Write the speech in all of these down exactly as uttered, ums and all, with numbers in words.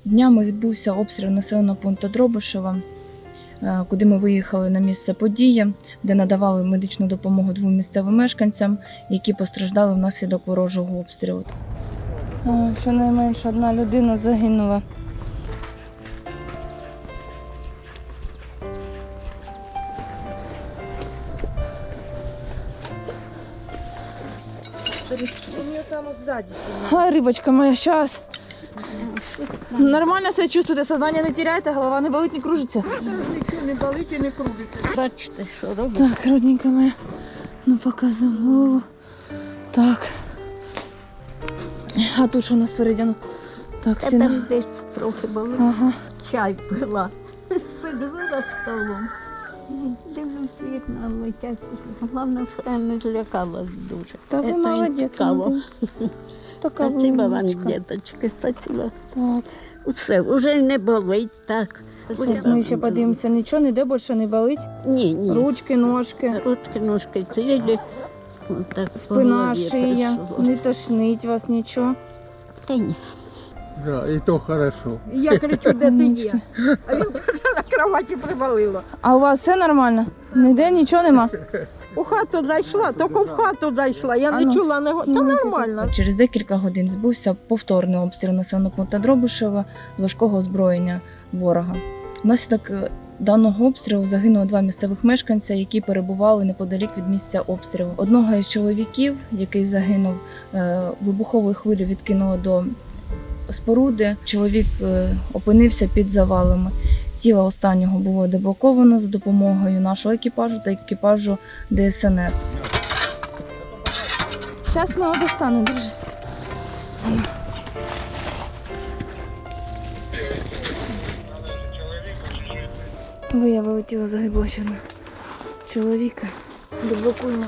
Днями відбувся обстріл населеного пункту Дробишева, куди ми виїхали на місце події, де надавали медичну допомогу двом місцевим мешканцям, які постраждали внаслідок ворожого обстрілу. Щонайменше одна людина загинула. А, рибочка моя, сейчас. Нормально себе чувствуєте, сознання не теряєте, голова не болить, не кружиться? Нічого не болить і не кружиться. Бачите, що робить? Так, родненька моя, ну показуємо голову. Так. А тут що у нас спереді? Ну, так, Я сіна. там десь трохи болить. Ага. Чай пила. Сиджу за столом. Дивлюсь, вікна летять. Головне, що я не злякалась дуже. Та ви Це молодець, цікаво. молодець. Така Спасибо вам, вимочка. діточки, спасибо. Так. Все, вже не болить, так. Зараз ми ще подивимося, нічого ніде більше не болить? Ні, ні. Ручки, ножки, Ручки, ножки цілі. Так, спина, шия, не тошнить вас нічого? Та ні. Да, і то хорошо. Я кричу, де ти є? А він каже, на кроваті привалило. А у вас все нормально? Ніде нічого нема? У хату зайшла, тільки в хату зайшла. Я А не ну, чула, не... Та знімайте нормально. Через декілька годин відбувся повторний обстріл населеного пункту Дробишева з важкого озброєння ворога. Внаслідок даного обстрілу загинуло два місцевих мешканця, які перебували неподалік від місця обстрілу. Одного із чоловіків, який загинув, вибуховою хвилею відкинуло до споруди. Чоловік опинився під завалами. Тіло останнього було деблоковано за допомогою нашого екіпажу та екіпажу Де Ес Ен Ес. Зараз ми його достанемо, держи. Виявили тіло загиблого чоловіка. Деблокуємо.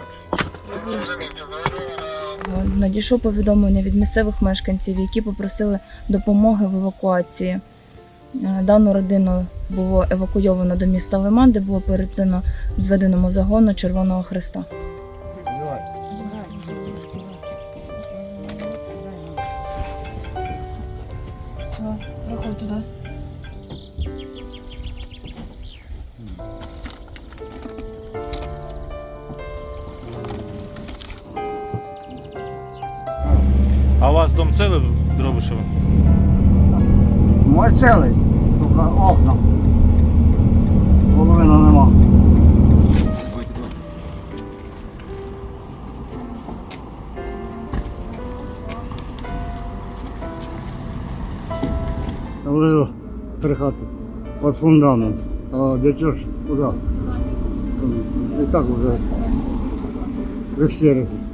Надійшло повідомлення від місцевих мешканців, які попросили допомоги в евакуації. Дану родину було евакуйовано до міста Лиман, де було передано зведеному загону Червоного Хреста. Все, проходь туди. А у вас дом целый в Дробишево? Мой цілий, тільки окна. Половина нема. Лежу три хати під фундамент. А дитя ж куди? І так вже в екстерику.